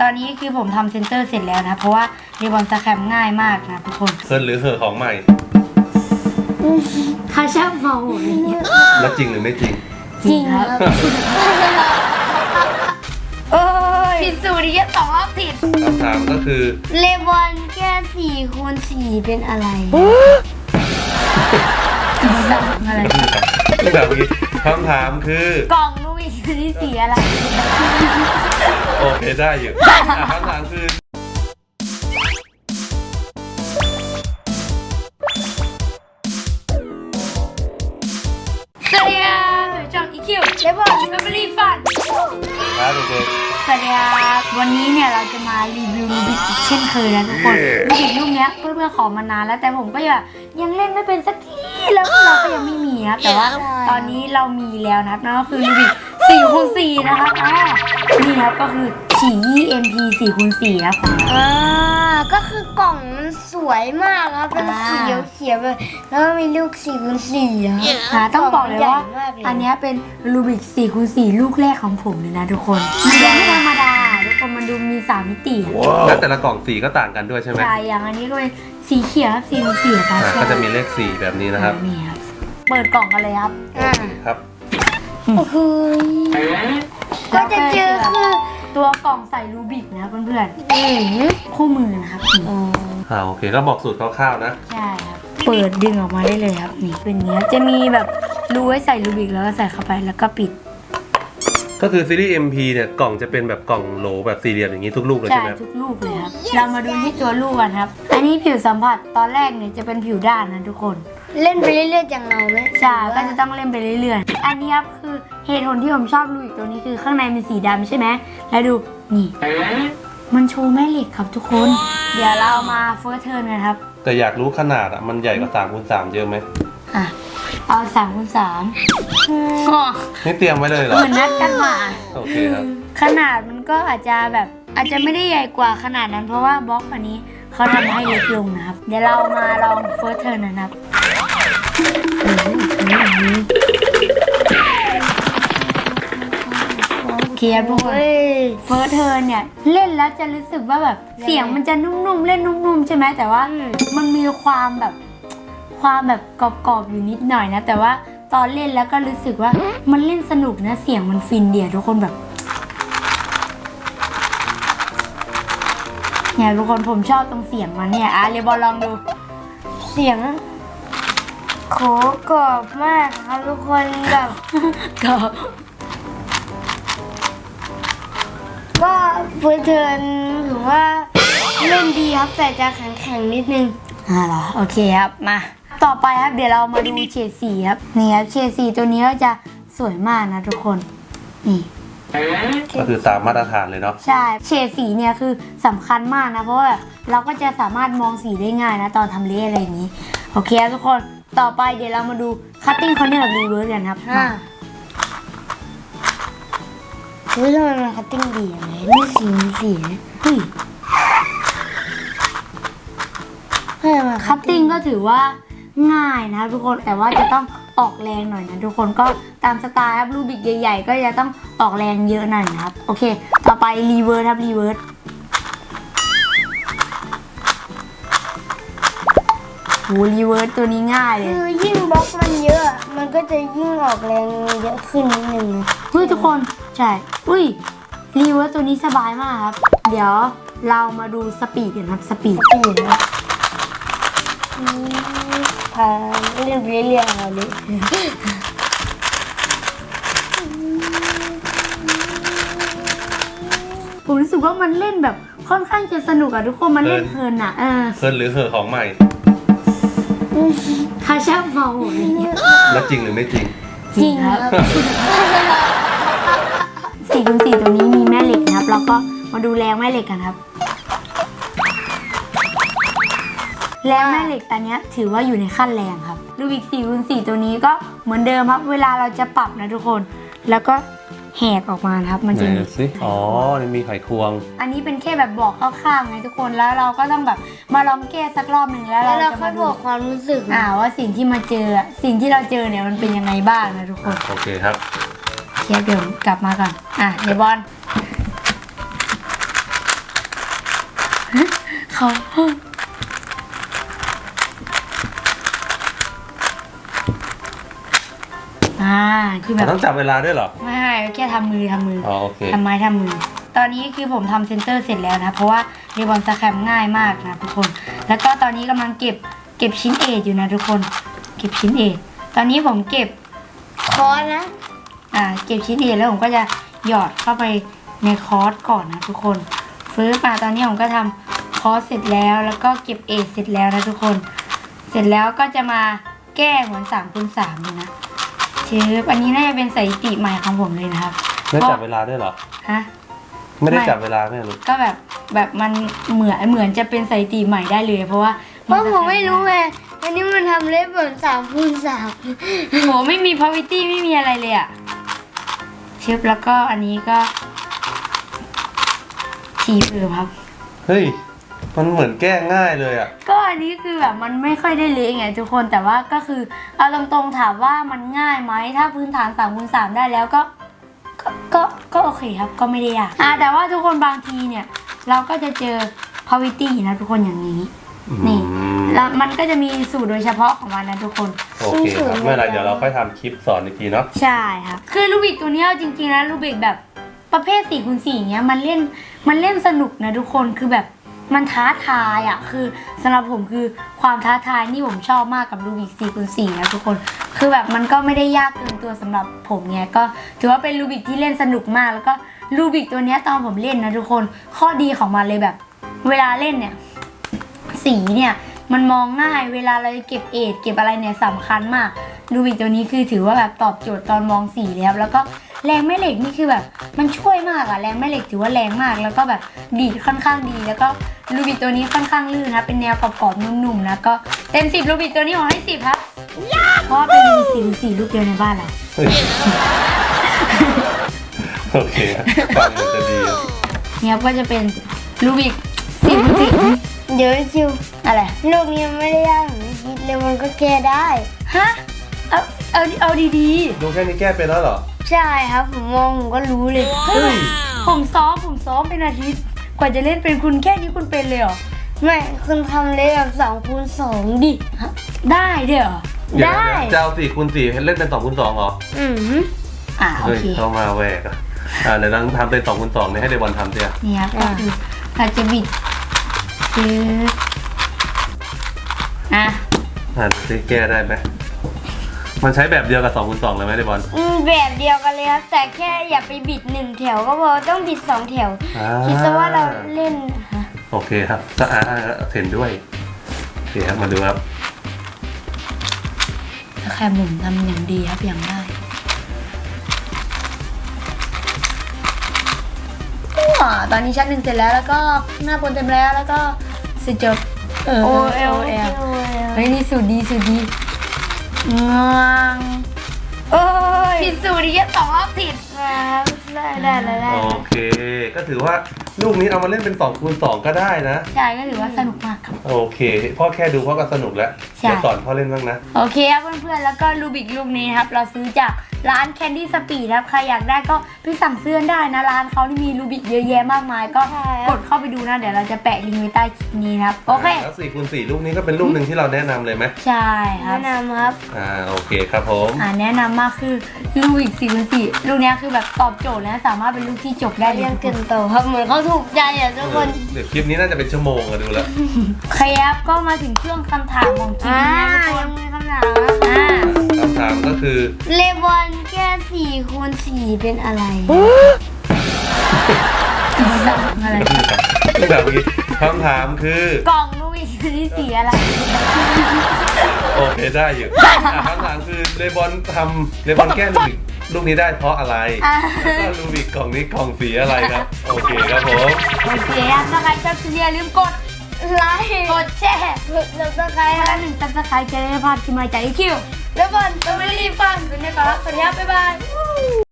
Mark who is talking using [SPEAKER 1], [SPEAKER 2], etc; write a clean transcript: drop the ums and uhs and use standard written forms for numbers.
[SPEAKER 1] ตอนนี้คือผมทำเซนเตอร์เสร็จแล้วนะเพราะว่าเรบอนสแครมง่ายมากนะทุกคน
[SPEAKER 2] เคิร์นหรือเหอะของใหม่
[SPEAKER 1] เขาชอบมองผมอย่างเงี้ย
[SPEAKER 2] แล้วจริงหรือไม่จริง
[SPEAKER 1] จริงครับโอ้ยผิดสูตรอีกสองรอบผิด
[SPEAKER 2] คำถามก็คือ
[SPEAKER 1] เลบอนแค่4 คูณ 4เป็นอะไรอะไร
[SPEAKER 2] แบบเมื่อกี้คำถามคือก
[SPEAKER 1] ล่องลูกอีกนี่สีอะไร
[SPEAKER 2] โอเคได้อยู่คำถามคือ
[SPEAKER 1] สวัสดีครับช่อง EQ เลบอน Family Fun
[SPEAKER 2] ครับเด็ก
[SPEAKER 1] สวัสดีครับวันนี้เนี่ยเราจะมารีวิวรูบิกอีกเช่นเคยนะทุกคนรูบิกลูกเนี้ยเพื่อนๆขอมานานแล้วแต่ผมก็ยังเล่นไม่เป็นสักทีแล้วเราก็ยังไม่มีนะแต่ว่าตอนนี้เรามีแล้วนะนั่นก็คือรูบิก4 คูณ 4นะครับนี่ครับก็คือฉี่ MP 4 คูณ 4ครับ
[SPEAKER 3] ก็คือกล่องมันสวยมากครับเป็นสีเขียวๆแบบแล้วก็มีลูก4 คูณ 4
[SPEAKER 1] ต้องบอกเลยว่าอันนี้เป็นรูบิก4 คูณ 4ลูกแรกของผมเลยนะทุกคนมันดูไม่ธรรมดาทุกคนมันดูมี3 มิติ
[SPEAKER 2] ๆแล้วแต่ละกล่องสีก็ต่างกันด้วยใช่ไหม
[SPEAKER 1] ใช่อย่างอันนี้ก็เป็นสีเขียวครับ4 คูณ 4ครับ
[SPEAKER 2] ก็จะมีเลข4แบบนี้นะครับ
[SPEAKER 1] นี่ครับเปิดกล่องกันเลยครับ
[SPEAKER 2] ครับ
[SPEAKER 3] โอ้โหก็จะเจอคือ
[SPEAKER 1] ตัวกล่องใส่รูบิกนะเพื่อนๆคู่มือนะครับนี่
[SPEAKER 2] โอเคก็บอกสูตรคร่าวๆนะ
[SPEAKER 1] ใช่ครับเปิดดึงออกมาได้เลยครับนี่เป็นอย่างนี้จะมีแบบรูไว้ใส่รูบิกแล้วก็ใส่เข้าไปแล้วก็ปิด
[SPEAKER 2] ก็คือซีรีส์ MP เนี่ยกล่องจะเป็นแบบกล่องโหลแบบสี่เหลี่ยมอย่างนี้ทุกลูกเลย
[SPEAKER 1] ใช่
[SPEAKER 2] ใช่ไหม
[SPEAKER 1] ทุกลูกเลยครับเรามาดูที่ตัวลูกกันครับอันนี้ผิวสัมผัสตอนแรกเนี่ยจะเป็นผิวด้านนะทุกคน
[SPEAKER 3] เล่นไปเรื่อยๆอย่างเราไหม
[SPEAKER 1] ใช่ก็จะต้องเล่นไปเรื่อยๆอันนี้ครับคือเหตุผลที่ผมชอบรูบิกตัวนี้คือข้างในเป็นสีดำใช่ไหมแล้วดูนี่มันโชว์แม่เหล็กครับทุกคนเดี๋ยวเรามาเฟิร์สเทิร์นกันครับ
[SPEAKER 2] แต่อยากรู้ขนาดอ่ะมันใหญ่กว่า3 คูณ 3เยอะไหม
[SPEAKER 1] อ่ะเอา3 คูณ 3ก็
[SPEAKER 2] นี่เตรียมไว้เลยเหรอ
[SPEAKER 1] เหมือนนัดกันมา
[SPEAKER 2] โอเคครับ
[SPEAKER 1] ขนาดมันก็อาจจะไม่ได้ใหญ่กว่าขนาดนั้นเพราะว่าบล็อกอันนี้เขาทำให้เล็กลงนะครับเดี๋ยวเรามาลองเฟิร์สเทิร์นนะครับเคียร์พวกเฟิร์สเทิร์นเนี่ยเล่นแล้วจะรู้สึกว่าแบบเสียงมันจะนุ่มๆเล่นนุ่มๆใช่ไหมแต่ว่ามันมีความแบบกรอบๆอยู่นิดหน่อยนะแต่ว่าตอนเล่นแล้วก็รู้สึกว่ามันเล่นสนุกนะเสียงมันฟินเดียทุกคนแบบเนี่ยทุกคนผมชอบตรงเสียงมันเนี่ยเรบอลลองดู
[SPEAKER 3] เสียงโขกรอบมากครับทุกคนแบบ
[SPEAKER 1] ก็
[SPEAKER 3] ก็เฟิร์สเทิร์นถือว่าเล่นดีครับแต่จะแข็งๆนิดนึง
[SPEAKER 1] เหรอโอเคครับมาต่อไปครับเดี๋ยวเรามาดูเฉดสีครับนี่ครับเฉดสีตัวนี้ก็จะสวยมากนะทุกคนนี่
[SPEAKER 2] ก็คือตามมาตรฐานเลยเนาะ
[SPEAKER 1] ใช่เฉดสีเนี่ยคือสำคัญมากนะเพราะว่าแบบเราก็จะสามารถมองสีได้ง่ายนะตอนทำเลอะไรอย่างนี้โอเคครับทุกคนต่อไปเดี๋ยวเรามาดู cutting corner กับ reverse กันครับ
[SPEAKER 3] เฮ้ยทำไมมันคัตติ้งดีอย่างไรนี่สีนะ
[SPEAKER 1] เฮ้ย
[SPEAKER 3] ให้มา
[SPEAKER 1] cutting ก็ถือว่าง่ายนะทุกคนแต่ว่าจะต้องออกแรงหน่อยนะทุกคนก็ตามสไตล์ครับรูบิกใหญ่ๆก็จะต้องออกแรงเยอะหน่อยนะครับโอเคต่อไป reverse ครับ reverse โห reverse ตัวนี้ง่ายเลย
[SPEAKER 3] คือยิ่งบล็อกมันเยอะมันก็จะยิ่งออกแรงเยอะขึ้นนิดนึงนะ
[SPEAKER 1] เฮ้ยทุกคนใช่อุ้ยรีเวิร์สตัวนี้สบายมากครับเดี๋ยวเรามาดูสปีดกันครับสปีด
[SPEAKER 3] ปีนนะพาเล่นไปเรื่อยๆเราเลย
[SPEAKER 1] ผมรู้สึกว่ามันเล่นแบบค่อนข้างจะสนุกอะทุกคนมันเล่นเพลินอะ
[SPEAKER 2] เคิร์นหรือเหอะของใหม่
[SPEAKER 1] เขาชอบมองผมอย่างเงี้ย
[SPEAKER 2] แล้วจริงหรือไม่จริง
[SPEAKER 1] จริงครับ4 คูณ 4ตัวนี้มีแม่เหล็กนะครับแล้วก็มาดูแรงแม่เหล็กกันครับแรงแม่เหล็กตัวนี้ถือว่าอยู่ในขั้นแรงครับรูบิก4 คูณ 4ตัวนี้ก็เหมือนเดิมครับเวลาเราจะปรับนะทุกคนแล้วก็แหกออกมานะครับมันจะ
[SPEAKER 2] ไหน
[SPEAKER 1] มี
[SPEAKER 2] ดูสิอ๋อนี่มีไขควง
[SPEAKER 1] อันนี้เป็นแค่แบบบอกคร่าวๆไงทุกคนแล้วเราก็ต้องแบบมาลองแก้สักรอบหนึ่งแล้ว
[SPEAKER 3] แล้ว
[SPEAKER 1] เรา
[SPEAKER 3] เรา
[SPEAKER 1] จะ
[SPEAKER 3] ค่อ
[SPEAKER 1] มาย
[SPEAKER 3] บ
[SPEAKER 1] ดู
[SPEAKER 3] อกความรู้สึก
[SPEAKER 1] ว่าสิ่งที่มาเจอสิ่งที่เราเจอเนี่ยมันเป็นยังไงบ้างนะทุกคน
[SPEAKER 2] โอเคครับ
[SPEAKER 1] เดี๋ยวกลับมาก่อนเดี๋ยวบอลเขาคือแบบ
[SPEAKER 2] ต้องจับเวลาด้วยเหรอ
[SPEAKER 1] ไม่แค่ทำมือ
[SPEAKER 2] อ๋อโอเค
[SPEAKER 1] ทำไม้ทำมือ ตอนนี้คือผมทำเซนเตอร์เสร็จแล้วนะ เพราะว่าเรบอนสแครมง่ายมากนะทุกคน แล้วก็ตอนนี้กำลังเก็บชิ้นเอทอยู่นะทุกคน เก็บชิ้นเอทตอนนี้ผมเก็บ
[SPEAKER 3] คอนะ
[SPEAKER 1] เก็บชิ้นเอทแล้วผมก็จะหยอดเข้าไปในคอร์สก่อนนะทุกคนฟื้นมาตอนนี้ผมก็ทำคอร์สเสร็จแล้วแล้วก็เก็บเอทเสร็จแล้วนะทุกคน เสร็จแล้วก็จะมาแก้เหมือน3x3เลยนะอันนี้น่าจะเป็นสถิติใหม่ของผมเลยนะครับ
[SPEAKER 2] ไม่จับเวลาด้วยเหรอ
[SPEAKER 1] ฮะ
[SPEAKER 2] ไม่ได้จับเวลาไม่รู้
[SPEAKER 1] ก็แบบมันเหมือนจะเป็นสถิติใหม่ได้เลย เพราะว่า
[SPEAKER 3] เพราะผมไม่รู้ไงอันนี้มันทำเล็บเหมือน3x3
[SPEAKER 1] โหไม่มี poverty ไม่มีอะไรเลยอะเชฟแล้วก็อันนี้ก็ฉีดครับ
[SPEAKER 2] เฮ้ยมันเหมือนแก้ง่ายเลยอ่ะ
[SPEAKER 1] ก็อันนี้คือแบบมันไม่ค่อยได้เละไงทุกคนแต่ว่าก็คือเอาตรงๆถามว่ามันง่ายไหมถ้าพื้นฐาน3x3ได้แล้วก็โอเคครับก็ไม่ได้ยากแต่ว่าทุกคนบางทีเนี่ยเราก็จะเจอ poverty นะทุกคนอย่างนี้นี่แล้วมันก็จะมีสูตรโดยเฉพาะของมันนะทุกคน
[SPEAKER 2] โอเคครับเมื่อไรเดี๋ยวเราค่อยทำคลิปสอนอีกทีเนาะ
[SPEAKER 1] ใช่ครับคือลูบิกตัวเนี้ยจริงๆนะลูบิกแบบประเภท 4x4 เงี้ยมันเล่นสนุกนะทุกคนคือแบบมันท้าทายอ่ะคือสำหรับผมคือความท้าทายนี่ผมชอบมากกับลูบิก 4x4 นะทุกคนคือแบบมันก็ไม่ได้ยากเกินตัวสำหรับผมเนี้ยก็ถือว่าเป็นลูบิกที่เล่นสนุกมากแล้วก็ลูบิกตัวเนี้ยตอนผมเล่นนะทุกคนข้อดีของมันเลยแบบเวลาเล่นเนี่ยสีเนี่ยมันมองง่ายเวลาเราจะเก็บเอทเก็บอะไรเนี่ยสำคัญมากลูบิกตัวนี้คือถือว่าแบบตอบโจทย์ตอนมองสีเลยครับแล้วก็แรงแม่เหล็กนี่คือแบบมันช่วยมากอะแรงแม่เหล็กถือว่าแรงมากแล้วก็แบบดีดค่อนข้างดีแล้วก็ลูบิกตัวนี้ค่อนข้างลื่นนะเป็นแนวกรอบๆนุ่มๆนะก็เต็ม10ลูบิกตัวนี้ผมให้10ครับเพราะว่าเป็นลูบิก4ลูกเดียวในบ้านเรา
[SPEAKER 2] เฮ้ยโอเคฟังมันจะดีอะ
[SPEAKER 1] เนี่ยก็จะเป็นลูบิก4
[SPEAKER 3] เดี๋ยวจิว
[SPEAKER 1] อะไร
[SPEAKER 3] ลูกนี้มันไม่ได้ยากอย่างที่คิดเลยมันก็แก้ได้
[SPEAKER 1] ฮะเอาดี
[SPEAKER 2] ดูแค่นี้แก้เป็นแล้วเหรอ
[SPEAKER 3] ใช่ครับผมมองผมก็รู้เลย
[SPEAKER 1] ๆเฮ้ยผมซ้อมเป็นอาทิตย์กว่าจะเล่นเป็นคุณแค่นี้คุณเป็นเลยเหรอ
[SPEAKER 3] ไม่คุณทำเล็บแบบ2x2 ดิ
[SPEAKER 1] ได้ด้วยเหรอ
[SPEAKER 2] เดี๋ยว
[SPEAKER 3] ได้
[SPEAKER 2] จะเอา4x4เล่นเป็น2x2เหรอ
[SPEAKER 1] โอ
[SPEAKER 2] เฮ้ย
[SPEAKER 1] เค
[SPEAKER 2] เข้ามาแหวกอ่ะเดี๋ยวลองทำเป็น2x2เนี่ยให้เดบอลทำเสีย
[SPEAKER 1] เนี่ยก็คือเราจะบิดคือ
[SPEAKER 2] ซิแก้ได้ไหมมันใช้แบบเดียวกับ2x2เลยไหมเดบอล
[SPEAKER 3] แบบเดียวกันเลยครับแต่แค่อย่าไปบิด1แถวก็พอต้องบิด2แถวคิดซะว่าเราเล่น
[SPEAKER 2] โอเคครับก็เห็นด้วยโอเคครับมาดูครับ
[SPEAKER 1] ถ้าแค่หมุนทำอย่างดีครับอย่างได้ตอนนี้ชั้น 1เสร็จแล้วแล้วก็หน้าบนเต็มแล้วก็เสร็จจบ
[SPEAKER 3] โอ
[SPEAKER 1] โอเอ
[SPEAKER 3] เอ
[SPEAKER 1] ล
[SPEAKER 3] ล
[SPEAKER 1] เอ
[SPEAKER 3] เอ
[SPEAKER 1] ล
[SPEAKER 3] ล
[SPEAKER 1] เฮ้ยนี่สูตรดีงางโอ้ยผิดสูตรอีกแค่2 รอบผิด
[SPEAKER 3] ครับได้
[SPEAKER 2] โอเค ก็ถือว่าลูกนี้เอามาเล่นเป็น2x2ก็ได้นะ
[SPEAKER 1] ใช่ก็ถือว่าสนุกมากครับ
[SPEAKER 2] โอเคพ่อแค่ดูพ่อก็สนุกแล้ว
[SPEAKER 1] ใช่
[SPEAKER 2] เดี๋ยวสอนพ่อเล่นบ้างนะ
[SPEAKER 1] โอเคครับเพื่อนๆแล้วก็ลูบิกลูกนี้นะครับเราซื้อจากร้าน Candy Speed ครับใครอยากได้ก็ไปสั่งซื้อได้นะร้านเขาที่มีลูบิกเยอะแยะมากมายก็กดเข้าไปดูนะเดี๋ยวเราจะแปะลิงก์ไว้ใต้คลิปนี้ครับโอเค
[SPEAKER 2] แล้ว4x4ลูกนี้ก็เป็นลูกหนึ่งที่เราแนะนำเลยไหม
[SPEAKER 1] ใช่ครับ
[SPEAKER 3] แนะนำครับ
[SPEAKER 2] โอเคครับผม
[SPEAKER 1] แนะนำมากคือลูบิก4x4ลูกนี้คือแบบตอบโจทย์นะสามารถเป็นลูกที่จบได้เลย
[SPEAKER 3] ยังเกินโตครับเหมือนเขาถูกใจอ่ะทุกคน
[SPEAKER 2] เดี๋ยวคลิปนี้น่าจะเป็นชั่วโมงอะดูแล้ว
[SPEAKER 1] ครับก็มาถึงช่วงคำถามของคลิปนี้นะทุกค
[SPEAKER 3] ยั
[SPEAKER 1] น
[SPEAKER 3] งมีคำถามนะคะ
[SPEAKER 2] คำถามก็คือ
[SPEAKER 3] เลบอนแก้4x4เป็นอะไร
[SPEAKER 1] อะไร
[SPEAKER 2] แบบนี้คำถามคือก
[SPEAKER 1] ล่องลูบิกที่สีอะไร
[SPEAKER 2] โอเคได้อยู่คำถามคือเลบอนแก้ลูกนี้ได้เพราะอะไรแล้วก็ลูบิกกล่องนี้กล่องสีอะไรครับโอเคครับผม
[SPEAKER 1] โอเคครับถ้าใครชอบคลิปนี้อย่าลืมกด
[SPEAKER 3] ไลค์
[SPEAKER 1] กดแชร์
[SPEAKER 3] กดซับสไครต์
[SPEAKER 1] คนละ1 Subscribe จะได้ไม่พลาดคลิปใหม่จากอีคิวแล้วก่อนจะไม่รีบฟังกันนะครับสวัสดีครับบ๊ายบาย